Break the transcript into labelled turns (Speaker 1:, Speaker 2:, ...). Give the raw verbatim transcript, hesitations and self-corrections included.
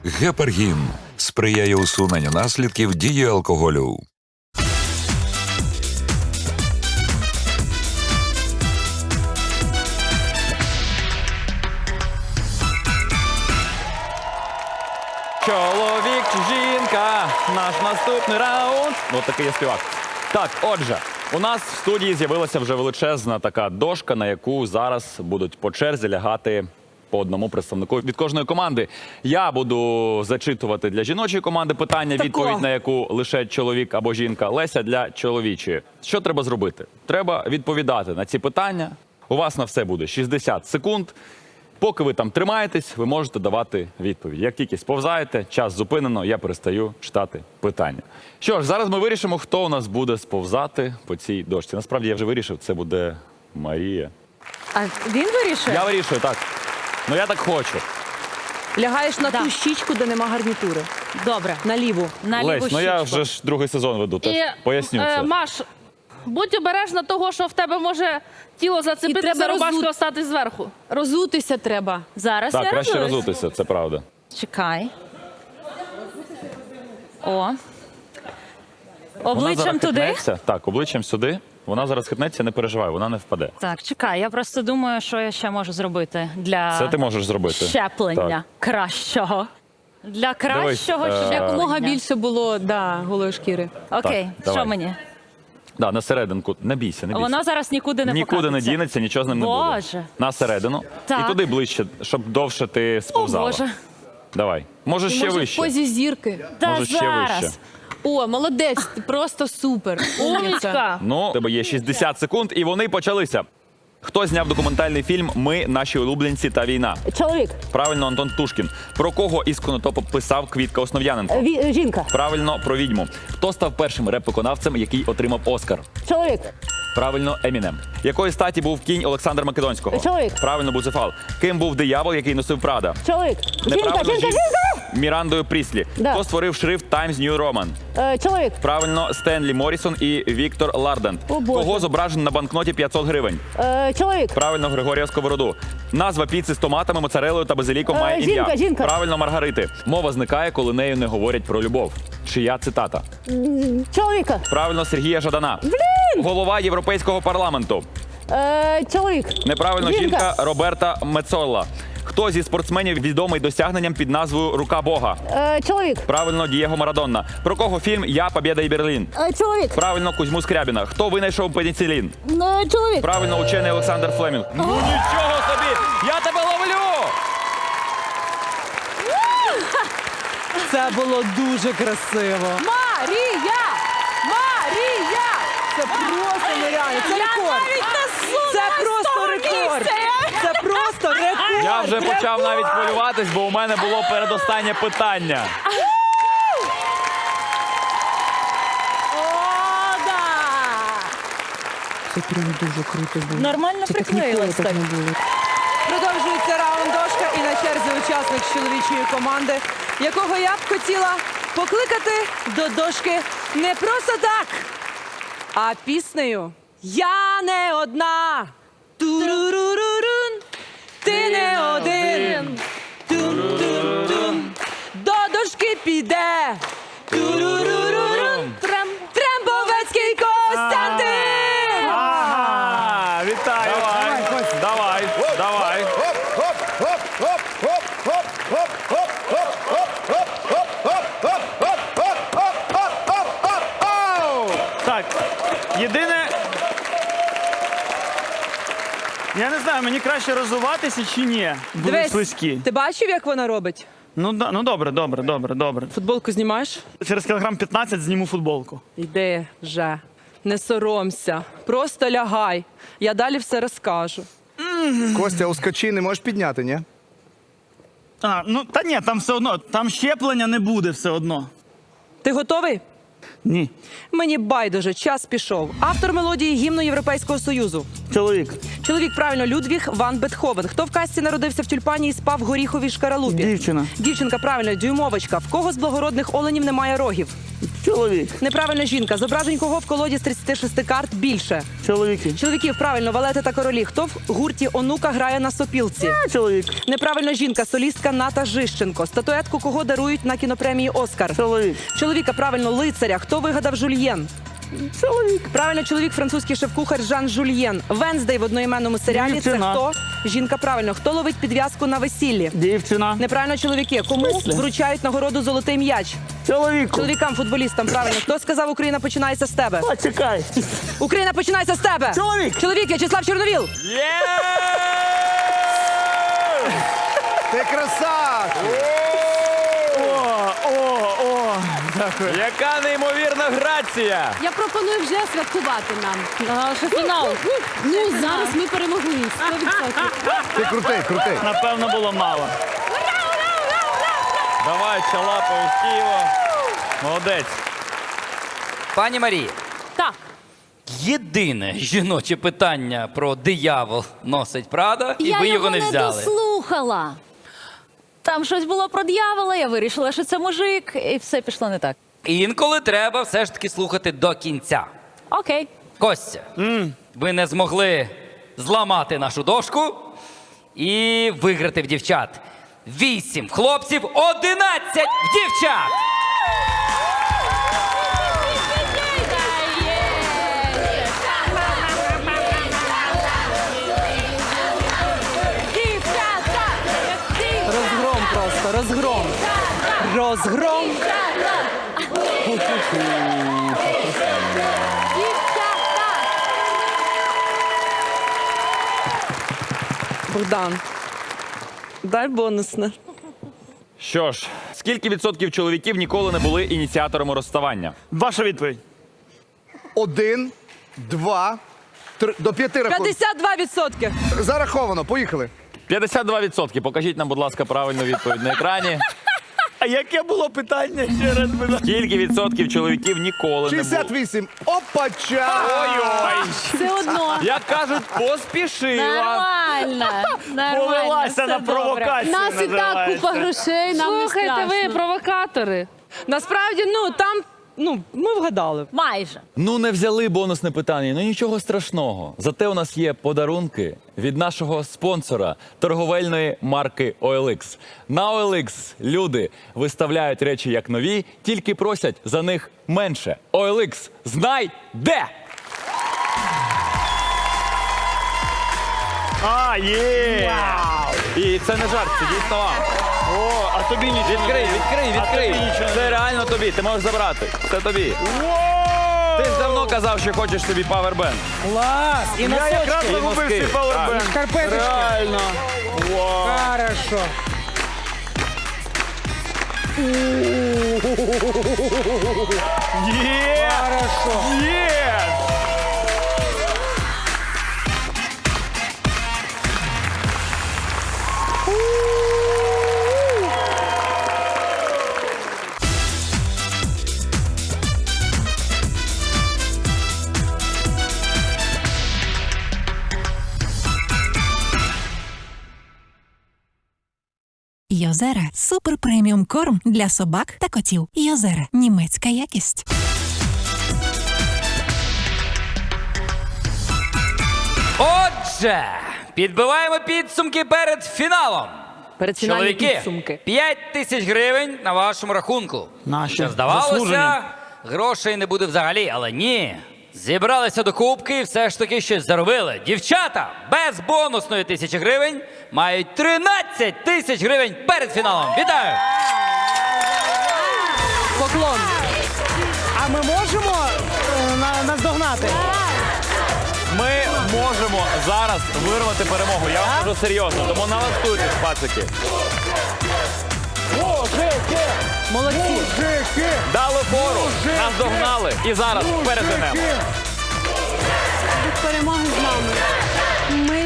Speaker 1: Гепаргін сприяє усуненню наслідків дії алкоголю.
Speaker 2: Чоловік чи жінка, наш наступний раунд. Ось такий я співак. Так, отже, у нас в студії з'явилася вже величезна така дошка, на яку зараз будуть по черзі лягати по одному представнику від кожної команди. Я буду зачитувати для жіночої команди питання, відповідь на яку лише чоловік або жінка. Леся для чоловічої. Що треба зробити? Треба відповідати на ці питання. У вас на все буде шістдесят секунд. Поки ви там тримаєтесь, ви можете давати відповідь. Як тільки сповзаєте, час зупинено, я перестаю читати питання. Що ж, зараз ми вирішимо, хто у нас буде сповзати по цій дошці. Насправді, я вже вирішив, це буде Марія.
Speaker 3: А він вирішує?
Speaker 2: Я вирішую, так. Ну, я так хочу.
Speaker 3: Лягаєш на
Speaker 4: Да.
Speaker 3: ту щічку, де нема гарнітури.
Speaker 4: Добре.
Speaker 3: На ліву.
Speaker 4: На ліву
Speaker 2: Лесь, ну я
Speaker 4: щічку.
Speaker 2: вже ж другий сезон веду, теж поясню
Speaker 5: е,
Speaker 2: це.
Speaker 5: Маш, будь обережна того, що в тебе може тіло зацепитися,
Speaker 3: треба
Speaker 5: рубашка
Speaker 3: розу-
Speaker 5: остатись зверху.
Speaker 3: Розутися треба.
Speaker 4: Зараз
Speaker 2: Так,
Speaker 4: я
Speaker 2: краще
Speaker 4: розуюсь.
Speaker 2: розутися, це правда.
Speaker 4: Чекай. О.
Speaker 2: Вона
Speaker 4: Обличчям
Speaker 2: зараз
Speaker 4: туди.
Speaker 2: хитнеться. Так, обличчям сюди. Вона зараз хитнеться, не переживай, вона не впаде.
Speaker 4: Так, чекай, я просто думаю, що я ще можу зробити для
Speaker 2: Це ти можеш зробити.
Speaker 4: щеплення кращого. Для кращого
Speaker 2: Дивись, е,
Speaker 4: щеплення.
Speaker 3: Якомога більше було, да, голої шкіри.
Speaker 4: Окей,
Speaker 2: Так,
Speaker 4: що
Speaker 2: давай.
Speaker 4: мені?
Speaker 2: Да, на серединку. Не бійся, не бійся.
Speaker 4: Воно зараз нікуди не
Speaker 2: Нікуди не
Speaker 4: покатиться.
Speaker 2: дінеться, нічого з ним не буде.
Speaker 4: Боже.
Speaker 2: На середину.
Speaker 4: Так.
Speaker 2: І туди ближче, щоб довше ти
Speaker 4: О,
Speaker 2: сповзала.
Speaker 4: Боже.
Speaker 2: Давай. Може ще
Speaker 3: Може, в
Speaker 2: вище.
Speaker 3: позі зірки.
Speaker 4: Та
Speaker 2: Може, ще
Speaker 4: зараз.
Speaker 2: вище.
Speaker 3: О, молодець, ти просто супер. Умниця.
Speaker 5: Умнічка.
Speaker 2: Ну, у тебе є шістдесят секунд, і вони почалися. Хто зняв документальний фільм «Ми, наші улюбленці та війна»?
Speaker 6: Чоловік,
Speaker 2: Правильно, Антон Птушкін. Про кого із Конотопа писав Квітка Основ'яненко?
Speaker 6: ві- жінка,
Speaker 2: Правильно, про відьму. Хто став першим реп-виконавцем, який отримав Оскар?
Speaker 6: чоловік,
Speaker 2: Правильно, Емінем. Якої статі був кінь Олександра Македонського?
Speaker 6: Чоловік.
Speaker 2: Правильно, Буцефал. Ким був диявол, який носив Прада?
Speaker 6: чоловік, жінка,
Speaker 2: Неправильно,
Speaker 6: жінка,
Speaker 2: жін-
Speaker 6: жінка,
Speaker 2: Мірандою Пріслі.
Speaker 6: Да.
Speaker 2: Хто створив шрифт Times New Roman?
Speaker 6: Е, чоловік,
Speaker 2: Правильно, Стенлі Морісон і Віктор Ларден.
Speaker 6: О, Боже.
Speaker 2: Кого зображено на банкноті п'ятсот гривень?
Speaker 6: е, чоловік,
Speaker 2: Правильно, Григорія Сковороду. Назва піци з томатами, моцарелою та базиліком
Speaker 6: Е,
Speaker 2: має
Speaker 6: жінка,
Speaker 2: ім'я.
Speaker 6: жінка.
Speaker 2: Правильно, Маргарити. Мова зникає, коли нею не говорять про любов. Чия цитата?
Speaker 6: чоловіка,
Speaker 2: Правильно, Сергія Жадана. Голова Європейського парламенту.
Speaker 6: е, чоловік,
Speaker 2: Неправильно,
Speaker 6: Жінка.
Speaker 2: жінка Роберта Мецолла. Хто зі спортсменів відомий досягненням під назвою «Рука Бога»?
Speaker 6: е, чоловік,
Speaker 2: Правильно, Дієго Марадонна. Про кого фільм «Я, Побєда і Берлін»?
Speaker 6: е, чоловік,
Speaker 2: Правильно, Кузьму Скрябіна. Хто винайшов пеніцилін?
Speaker 6: е, чоловік,
Speaker 2: Правильно, учений Олександр Флемінг. Ну нічого собі! Я тебе ловлю!
Speaker 3: Це було дуже красиво. Марія! Марія! Це просто нереально. Це рекорд. Це просто рекорд. Це просто рекорд.
Speaker 2: Я вже почав навіть хвилюватись, бо у мене було передостаннє питання.
Speaker 4: О, да!
Speaker 3: Це прям дуже круто було.
Speaker 4: Нормально приклеїлась так.
Speaker 3: Продовжується раунд дошка і на черзі учасник з чоловічої команди, якого я б хотіла покликати до дошки не просто так, а піснею «Я не одна». Турурурурун, ти не один. Тун-тун-тун, до дошки піде. Турурурурун, трем, Трембовецький Костянтин.
Speaker 2: Ага, вітаю! Давай, давай, давай.
Speaker 7: Так, єдине. Я не знаю, мені краще розвиватися чи ні. Були
Speaker 3: Дивись,
Speaker 7: слизькі.
Speaker 3: ти бачив, як вона робить?
Speaker 7: Ну, да, ну добре, добре, добре, добре.
Speaker 3: Футболку знімаєш?
Speaker 7: Через кілограм п'ятнадцять зніму футболку.
Speaker 3: Йди вже, не соромся, просто лягай. Я далі все розкажу.
Speaker 8: Костя, ускочи, не можеш підняти, ні?
Speaker 7: А, ну та ні, там все одно, там щеплення не буде все одно.
Speaker 3: Ти готовий?
Speaker 7: Ні.
Speaker 3: Мені байдуже, час пішов. Автор мелодії гімну Європейського Союзу.
Speaker 7: Чоловік,
Speaker 3: Чоловік, правильно, Людвіг ван Бетховен. Хто в казці народився в тюльпані і спав в горіховій шкаралупі?
Speaker 7: дівчина,
Speaker 3: Дівчинка, правильно, дюймовочка. В кого з благородних оленів немає рогів?
Speaker 7: Чоловік.
Speaker 3: Неправильно жінка. Зображень кого в колоді з тридцяти шести карт більше?
Speaker 7: Чоловіки.
Speaker 3: Чоловіків, правильно, валети та королі. Хто в гурті онука грає на сопілці?
Speaker 7: Чоловік.
Speaker 3: Неправильно жінка, солістка Ната Жищенко. Статуетку кого дарують на кінопремії Оскар?
Speaker 7: Чоловік.
Speaker 3: Чоловіка, правильно, лицаря. Хто вигадав жульєн?
Speaker 7: Чоловік.
Speaker 3: Правильно, чоловік, французький шеф-кухар Жан Жульєн. Венздей в одноіменному серіалі.
Speaker 7: Дівчина.
Speaker 3: Це хто? Жінка, правильно. Хто ловить підв'язку на весіллі?
Speaker 7: Дівчина.
Speaker 3: Неправильно, чоловіки. Кому
Speaker 7: смислі?
Speaker 3: вручають нагороду «Золотий м'яч»?
Speaker 7: Чоловіку.
Speaker 3: Чоловікам, футболістам, правильно. Хто сказав, Україна починається з тебе?
Speaker 7: Почекай.
Speaker 3: Україна починається з тебе!
Speaker 7: Чоловік.
Speaker 3: Чоловік, В'ячеслав Чорновіл!
Speaker 2: Є!
Speaker 8: Ти красавчик!
Speaker 7: О, о, о. Дякую.
Speaker 2: Яка неймовірна грація!
Speaker 6: Я пропоную вже святкувати нам.
Speaker 5: А, що фінал.
Speaker 6: Ну, зараз ми перемогли. сто відсотків.
Speaker 8: Ти крутий, крутий.
Speaker 7: Напевно, було мало.
Speaker 2: Давай, чалапаю з Києва. Молодець.
Speaker 9: Пані Марії,
Speaker 5: Так.
Speaker 9: єдине жіноче питання про диявол носить Прада, і
Speaker 4: я
Speaker 9: ви
Speaker 4: його
Speaker 9: його не
Speaker 4: не
Speaker 9: взяли.
Speaker 4: дослухала. Там щось було про дьявола, я вирішила, що це мужик, і все пішло не так.
Speaker 9: Інколи треба все ж таки слухати до кінця.
Speaker 4: Окей.
Speaker 9: Костя, ви не змогли зламати нашу дошку і виграти в дівчат. Вісім хлопців, одинадцять в дівчат!
Speaker 3: Розгром просто, розгром. Розгром. Богдан, дай бонусне.
Speaker 2: Що ж, скільки відсотків чоловіків ніколи не були ініціаторами розставання?
Speaker 7: Ваша відповідь.
Speaker 8: Один, два, три, до п'яти рахунків.
Speaker 3: п'ятдесят два відсотки.
Speaker 8: Зараховано, поїхали.
Speaker 2: п'ятдесят два відсотки. Покажіть нам, будь ласка, правильну відповідь на екрані.
Speaker 7: А яке було питання ще раз? будь ласка?
Speaker 2: Скільки відсотків чоловіків ніколи не
Speaker 8: шістдесят
Speaker 2: було?
Speaker 8: вісім. Опача!
Speaker 2: Ой-ой!
Speaker 6: Все одно.
Speaker 2: Як кажуть, поспішила.
Speaker 4: Нормально. Нормально.
Speaker 7: Повелася
Speaker 4: все
Speaker 7: на
Speaker 4: добре.
Speaker 7: провокацію.
Speaker 6: Нас і так
Speaker 7: називається.
Speaker 6: купа грошей, нам не
Speaker 5: Слухайте, ви
Speaker 6: страшно.
Speaker 5: провокатори.
Speaker 3: Насправді, ну, там, ну, ми вгадали.
Speaker 4: Майже.
Speaker 2: Ну, не взяли бонусне питання, ну нічого страшного. Зате у нас є подарунки від нашого спонсора торговельної марки о ел ікс. На о ел ікс люди виставляють речі як нові, тільки просять за них менше. о ел ікс, знай де!
Speaker 7: А, є!
Speaker 2: І це не жарт, це дійсно вам.
Speaker 7: О, а тобі нічого.
Speaker 2: Відкрий, відкрий, відкрий.
Speaker 7: тобі нічого не
Speaker 2: Це реально тобі, ти можеш забрати. Це тобі.
Speaker 7: Воу!
Speaker 2: Ти ж давно казав, що хочеш собі павербенд.
Speaker 3: Клас! І
Speaker 7: Я якраз
Speaker 2: і
Speaker 7: загубив
Speaker 2: носки.
Speaker 7: свій пауербенд.
Speaker 3: Шкарпеточки.
Speaker 7: Реально. Вау.
Speaker 3: Хорошо.
Speaker 7: Є!
Speaker 3: Хорошо.
Speaker 7: Є!
Speaker 10: Йозера – супер преміум корм для собак та котів. Йозера – німецька якість.
Speaker 9: Отже, підбиваємо підсумки перед фіналом.
Speaker 3: Перед фінальні
Speaker 9: Чоловіки,
Speaker 3: підсумки.
Speaker 9: п'ять тисяч гривень на вашому рахунку.
Speaker 7: Наші.
Speaker 9: Що здавалося,
Speaker 7: Заслужені.
Speaker 9: грошей не буде взагалі, але ні. Зібралися до кубки і все ж таки щось заробили. Дівчата без бонусної тисячі гривень мають тринадцять тисяч гривень перед фіналом. Вітаю!
Speaker 3: Поклон.
Speaker 11: А ми можемо е, на- наздогнати?
Speaker 2: Ми можемо зараз вирвати перемогу. Я вам кажу серйозно, тому налаштуйтесь, пацики.
Speaker 3: Молодці.
Speaker 2: Дали фору, нас догнали і зараз перетинемо.
Speaker 6: Перемоги з нами. Ми